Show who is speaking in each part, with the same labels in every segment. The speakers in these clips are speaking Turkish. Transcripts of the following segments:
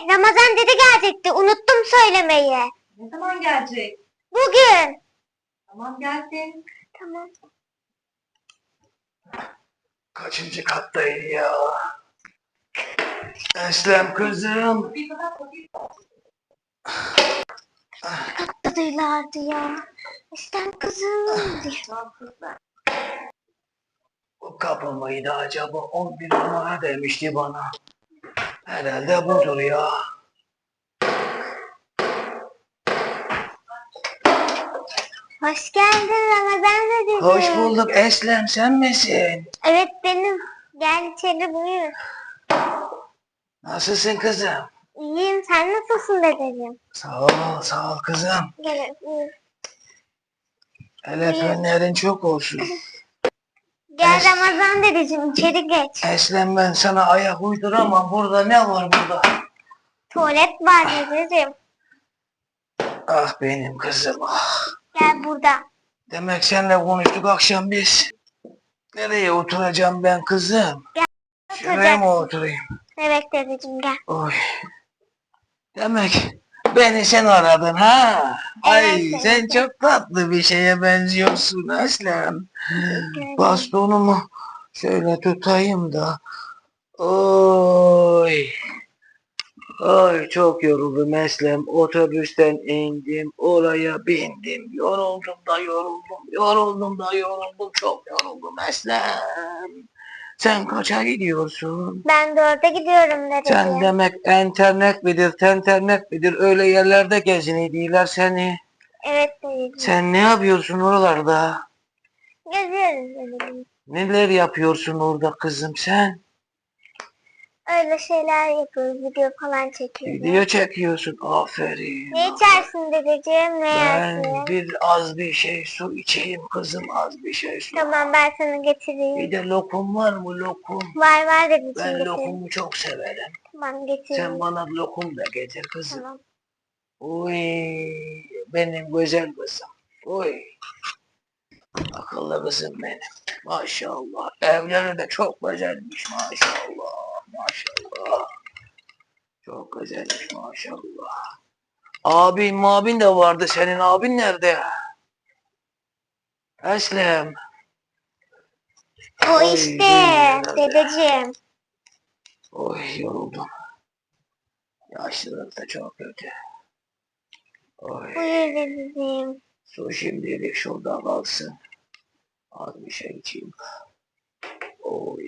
Speaker 1: Ramazan dede gelecekti. Unuttum söylemeyi.
Speaker 2: Ne zaman gelecek?
Speaker 1: Bugün.
Speaker 2: Tamam gelsin.
Speaker 1: Tamam.
Speaker 3: Kaçıncı kattayım ya? Eslem kızım.
Speaker 1: Kattadaylardı ya. İşte kızım diye.
Speaker 3: Bu kapı mıydı acaba? 11 numara demişti bana. Herhalde budur ya.
Speaker 1: Hoş geldin Ramazan dedeciğim.
Speaker 3: Hoş bulduk Eslem, sen misin?
Speaker 1: Evet benim. Gel içeri buyur.
Speaker 3: Nasılsın kızım?
Speaker 1: İyiyim. Sen nasılsın dedeciğim?
Speaker 3: Sağ ol kızım.
Speaker 1: Gel buyur.
Speaker 3: El öpenlerin çok olsun.
Speaker 1: Gel Ramazan dedeciğim içeri geç.
Speaker 3: Eslem, ben sana ayak uyduramam. Burada ne var burada?
Speaker 1: Tuvalet var dedeciğim.
Speaker 3: Ah benim kızım ah.
Speaker 1: Gel burada.
Speaker 3: Demek seninle konuştuk akşam biz. Nereye oturacağım ben kızım? Şuraya mı oturayım?
Speaker 1: Evet dedeciğim gel.
Speaker 3: Oy. Demek beni sen aradın ha? Ay
Speaker 1: Evet,
Speaker 3: sen
Speaker 1: evet.
Speaker 3: çok tatlı bir şeye benziyorsun Eslem. Bastonumu şöyle tutayım da. Oy. Ay çok yoruldum Eslem. Otobüsten indim, oraya bindim. Yoruldum da yoruldum, yoruldum da yoruldum. Çok yoruldum Eslem. Sen kaça gidiyorsun?
Speaker 1: Ben 4'e gidiyorum
Speaker 3: Sen
Speaker 1: dedeciğim.
Speaker 3: demek internet midir, tenternet midir, öyle yerlerde geziniyorlar seni.
Speaker 1: Evet dedeciğim.
Speaker 3: Sen ne yapıyorsun oralarda?
Speaker 1: Geziyoruz dedeciğim.
Speaker 3: Neler yapıyorsun orada kızım sen?
Speaker 1: Öyle şeyler yapıyoruz. Video falan çekiyoruz.
Speaker 3: Video çekiyorsun, aferin.
Speaker 1: Ne içersin dedeciğim? Ne
Speaker 3: Ben
Speaker 1: yersin?
Speaker 3: az bir şey su içeyim kızım, az bir şey su.
Speaker 1: Tamam ben sana getireyim.
Speaker 3: Bir de lokum var mı lokum?
Speaker 1: Var dedeciğim
Speaker 3: Ben
Speaker 1: getireyim.
Speaker 3: lokumu çok severim.
Speaker 1: Tamam getireyim.
Speaker 3: Sen bana lokum da getir kızım.
Speaker 1: Tamam.
Speaker 3: Oy benim güzel kızım. Oy akıllı kızım benim. Maşallah. Evleri de çok güzelmiş maşallah. Maşallah. Çok güzelmiş maşallah. Abin de vardı. Senin abin nerede? Eslem.
Speaker 1: O
Speaker 3: Oy,
Speaker 1: işte
Speaker 3: nerede?
Speaker 1: dedeciğim.
Speaker 3: Oy yoruldum. Yaşlılık da çok kötü. Oy.
Speaker 1: Buyur dedeciğim.
Speaker 3: Su şimdilik şurada kalsın. Az bir şey içeyim. Oy.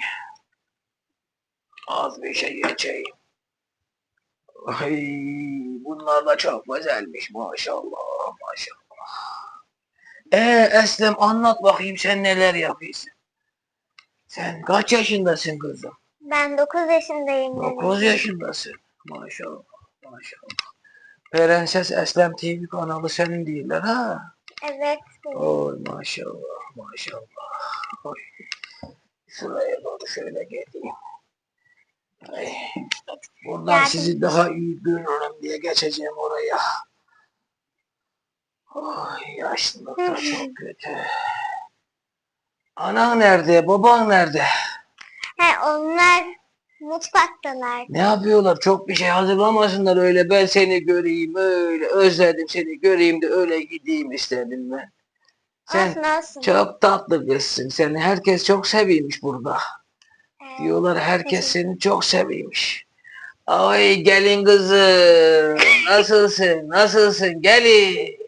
Speaker 3: Az bir şey içeyim. Ay, bunlar da çok güzelmiş maşallah maşallah. Eslem anlat bakayım sen neler yapıyorsun? Sen kaç yaşındasın kızım?
Speaker 1: Ben 9 yaşındayım
Speaker 3: 9
Speaker 1: dedeciğim.
Speaker 3: yaşındasın. Maşallah maşallah. Prenses Eslem TV kanalı senin değiller ha?
Speaker 1: Evet.
Speaker 3: Oy maşallah maşallah. Oy. Şuraya doğru şöyle geleyim. Ay. Buradan
Speaker 1: Geldim.
Speaker 3: sizi daha iyi görürüm diye geçeceğim oraya. Oy yaşlılık da çok kötü. Anan nerede? Baban nerede?
Speaker 1: He onlar mutfaktalar.
Speaker 3: Ne yapıyorlar? Çok bir şey hazırlamasınlar öyle. Ben seni göreyim öyle. Özledim seni göreyim de öyle gideyim istedim ben. Sen
Speaker 1: Olsun olsun.
Speaker 3: çok tatlı kızsın. Seni herkes çok seviyormuş burada. Diyorlar herkes seni çok seviyormuş. Ay gelin kızım. Nasılsın? Nasılsın? Gelin.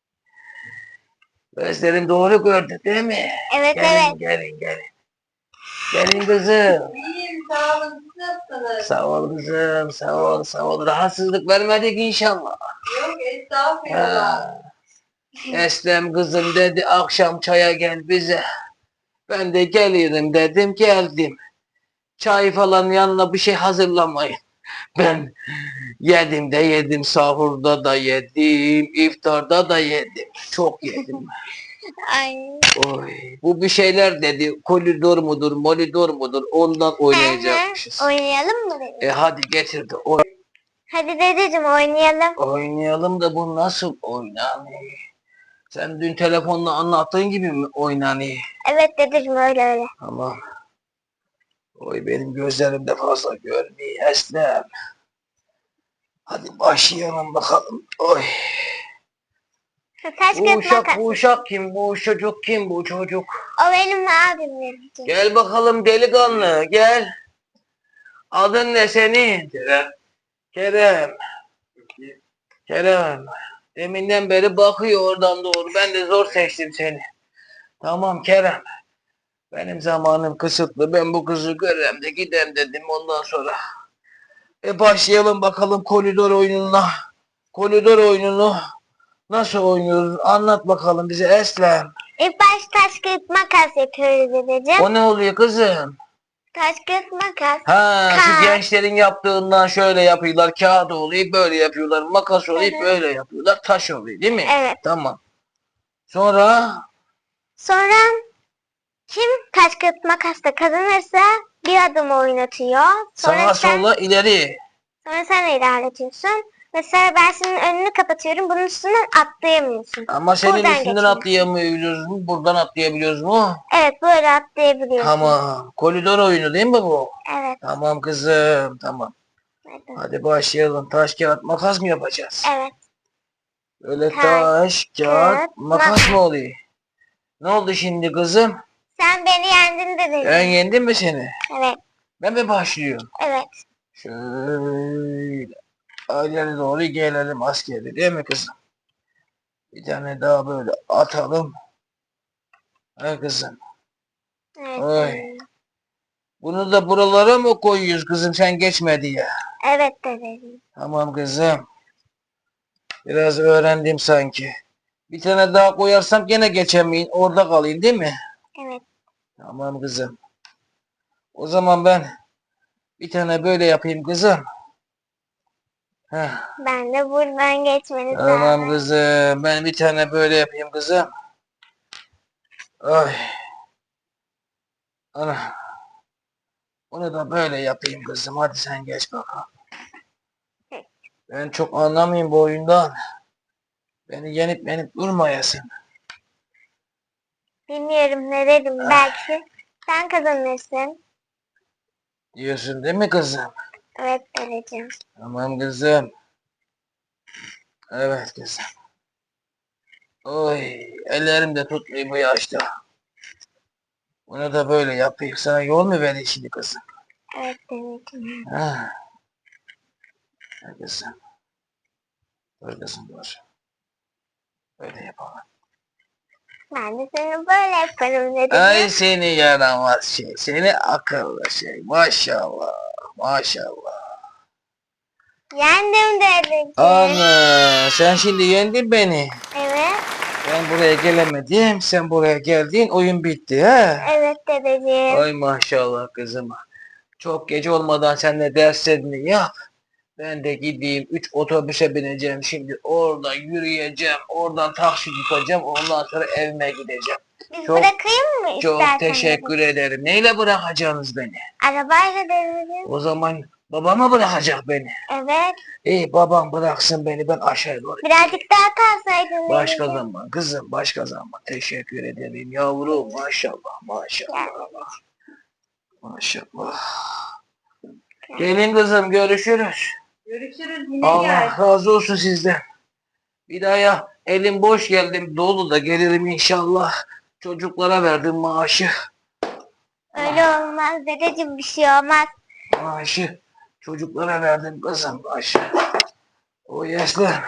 Speaker 3: Gözlerin doğru gördü değil mi?
Speaker 1: Evet
Speaker 3: Gelin,
Speaker 1: evet.
Speaker 3: gelin. Gelin kızım.
Speaker 2: İyiyim sağ olun. Siz nasılsınız?
Speaker 3: Sağ ol kızım. Sağ ol. Rahatsızlık vermedik inşallah.
Speaker 2: Yok estağfurullah.
Speaker 3: Ha. Eslem kızım dedi akşam çaya gel bize. Ben de gelirim dedim geldim. Çay falan yanına bir şey hazırlamayın. Ben yedim de yedim, sahurda da yedim, iftarda da yedim. Çok yedim.
Speaker 1: Ay.
Speaker 3: Oy, bu bir şeyler dedi. Koridor mudur, molidor mudur? Ondan oynayacakmışız.
Speaker 1: Oynayalım mı dedeciğim?
Speaker 3: Hadi getirdi.
Speaker 1: Hadi dedeciğim oynayalım.
Speaker 3: Oynayalım da bu nasıl oynanıyor? Sen dün telefonla anlattığın gibi mi oynanıyor?
Speaker 1: Evet dedeciğim öyle.
Speaker 3: Tamam. Oy benim gözlerim de fazla görmüyor Eslem. Hadi başlayalım bakalım. Oy.
Speaker 1: Taş
Speaker 3: Bu
Speaker 1: kağıt
Speaker 3: uşak,
Speaker 1: makas.
Speaker 3: bu uşak kim? Bu çocuk kim? Bu çocuk.
Speaker 1: O benim abim verecek.
Speaker 3: Gel bakalım delikanlı, gel. Adın ne senin? Kerem. Kerem. Kerem. Deminden beri bakıyor oradan doğru. Ben de zor seçtim seni. Tamam Kerem. Benim zamanım kısıtlı. Ben bu kızı görem de gidem dedim ondan sonra. Başlayalım bakalım koridor oyununa. Koridor oyununu nasıl oynuyoruz? Anlat bakalım bize Eslem.
Speaker 1: İlk baş taş kağıt makas yapıyoruz dedeciğim.
Speaker 3: O ne oluyor kızım?
Speaker 1: Taş kağıt makas.
Speaker 3: Ha, şu
Speaker 1: Kağıt.
Speaker 3: gençlerin yaptığından şöyle yapıyorlar. Kağıt oluyor, böyle yapıyorlar. Makas oluyor,
Speaker 1: Evet.
Speaker 3: böyle yapıyorlar. Taş oluyor, değil mi?
Speaker 1: Evet.
Speaker 3: Tamam. Sonra
Speaker 1: Sonra kim taş kağıt makasla kazanırsa bir adım oynatıyor.
Speaker 3: sağa
Speaker 1: sen,
Speaker 3: sola ileri.
Speaker 1: sonra sen ilerletiyorsun. Mesela ben senin önünü kapatıyorum. Bunun üstünden atlayamıyorsun.
Speaker 3: Ama senin
Speaker 1: Buradan
Speaker 3: üstünden
Speaker 1: geçiyorsun.
Speaker 3: atlayamıyoruz mu? Buradan atlayabiliyoruz mu?
Speaker 1: Evet, böyle atlayabiliyorsun.
Speaker 3: Tamam. Koridor oyunu değil mi bu?
Speaker 1: Evet.
Speaker 3: Tamam kızım, tamam.
Speaker 1: Evet.
Speaker 3: Hadi başlayalım. Taş, kağıt, makas mı yapacağız?
Speaker 1: Evet.
Speaker 3: Böyle
Speaker 1: Taş,
Speaker 3: taş, kağıt,
Speaker 1: kağıt,
Speaker 3: makas
Speaker 1: makas.
Speaker 3: mı oluyor? Ne oldu şimdi kızım?
Speaker 1: Sen beni yendin dedin.
Speaker 3: Ben yendim mi seni?
Speaker 1: Evet.
Speaker 3: Ben mi başlıyorum?
Speaker 1: Evet.
Speaker 3: Şöyle ileri doğru gelelim askeri değil mi kızım? Bir tane daha böyle atalım. Hay kızım.
Speaker 1: Evet.
Speaker 3: Oy. Bunu da buralara mı koyuyoruz kızım sen geçme diye?
Speaker 1: Evet dedeciğim.
Speaker 3: Tamam kızım. Biraz öğrendim sanki. Bir tane daha koyarsam gene geçemeyin. Orada kalayım değil mi?
Speaker 1: Evet.
Speaker 3: Tamam kızım. O zaman ben bir tane böyle yapayım kızım. Heh.
Speaker 1: Ben de buradan geçmeni
Speaker 3: Tamam
Speaker 1: sağlarım.
Speaker 3: kızım. Ben bir tane böyle yapayım kızım. Ay. Ana. Onu da böyle yapayım kızım. Hadi sen geç bakalım. Ben çok anlamayayım bu oyundan. Beni yenip durmayasın.
Speaker 1: Bilmiyorum ne dedim. Belki sen kazanırsın.
Speaker 3: Diyorsun değil mi kızım?
Speaker 1: Evet dedeciğim.
Speaker 3: Tamam kızım. Evet kızım. Oy. Ellerim de tutmuyor bu yaşta. Bunu da böyle yapayım. Sana yol mu vereyim şimdi kızım?
Speaker 1: Evet dedeciğim.
Speaker 3: Ha. Ha kızım. Dur kızım dur. Böyle yapalım.
Speaker 1: Ben de seni böyle yaparım dedeciğim.
Speaker 3: Ay seni yaramaz şey. Seni akıllı şey. Maşallah. Maşallah.
Speaker 1: Yendim dedeciğim.
Speaker 3: Ana sen şimdi yendin beni.
Speaker 1: Evet.
Speaker 3: Ben buraya gelemedim. Sen buraya geldin. Oyun bitti ha.
Speaker 1: Evet dedeciğim.
Speaker 3: Ay maşallah kızım. Çok gece olmadan sen de derslerini yap. Ben de gideyim 3 otobüse bineceğim şimdi. Oradan yürüyeceğim. Oradan taksi tutacağım. Ondan sonra evime gideceğim.
Speaker 1: Biz
Speaker 3: Çok-
Speaker 1: bırakayım mı
Speaker 3: Çok
Speaker 1: istersen
Speaker 3: teşekkür ederim. Neyle bırakacaksınız beni?
Speaker 1: Arabayla dedeciğim.
Speaker 3: O zaman babama bırakacak beni.
Speaker 1: Evet.
Speaker 3: İyi babam bıraksın beni ben aşağı doğru.
Speaker 1: Birazcık daha kalsaydın
Speaker 3: Başka
Speaker 1: dedeciğim.
Speaker 3: zaman kızım başka zaman. Teşekkür ederim yavrum maşallah maşallah. Maşallah. Gelin kızım görüşürüz.
Speaker 2: Görüşürüz yine
Speaker 3: Allah
Speaker 2: gel.
Speaker 3: razı olsun sizden. Bir daha ya elim boş geldim dolu da gelirim inşallah. Çocuklara verdim maaşı.
Speaker 1: Öyle olmaz dedeciğim, bir şey olmaz.
Speaker 3: Maaşı çocuklara verdim kızım maaşı. O yaşlı.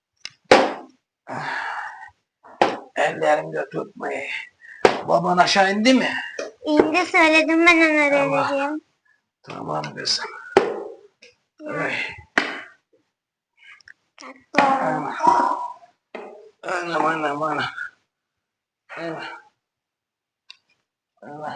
Speaker 3: Ellerimde tutmayı. Baban aşağı indi mi?
Speaker 1: İndi söyledim ben ona
Speaker 3: Tamam.
Speaker 1: dedeciğim.
Speaker 3: Tamam kızım. Ay,
Speaker 1: Tamam.
Speaker 3: anam anam anam. Anam. Anam.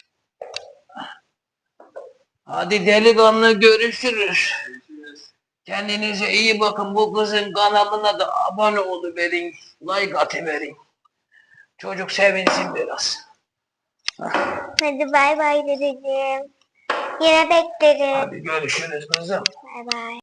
Speaker 3: Hadi delikanlı görüşürüz. Kendinize iyi bakın. Bu kızın kanalına da abone oluverin. Like atıverin. Çocuk sevinsin biraz.
Speaker 1: Hadi bay bay dedeciğim. Yine bekleriz.
Speaker 3: Hadi görüşürüz kızım.
Speaker 1: Bay bay.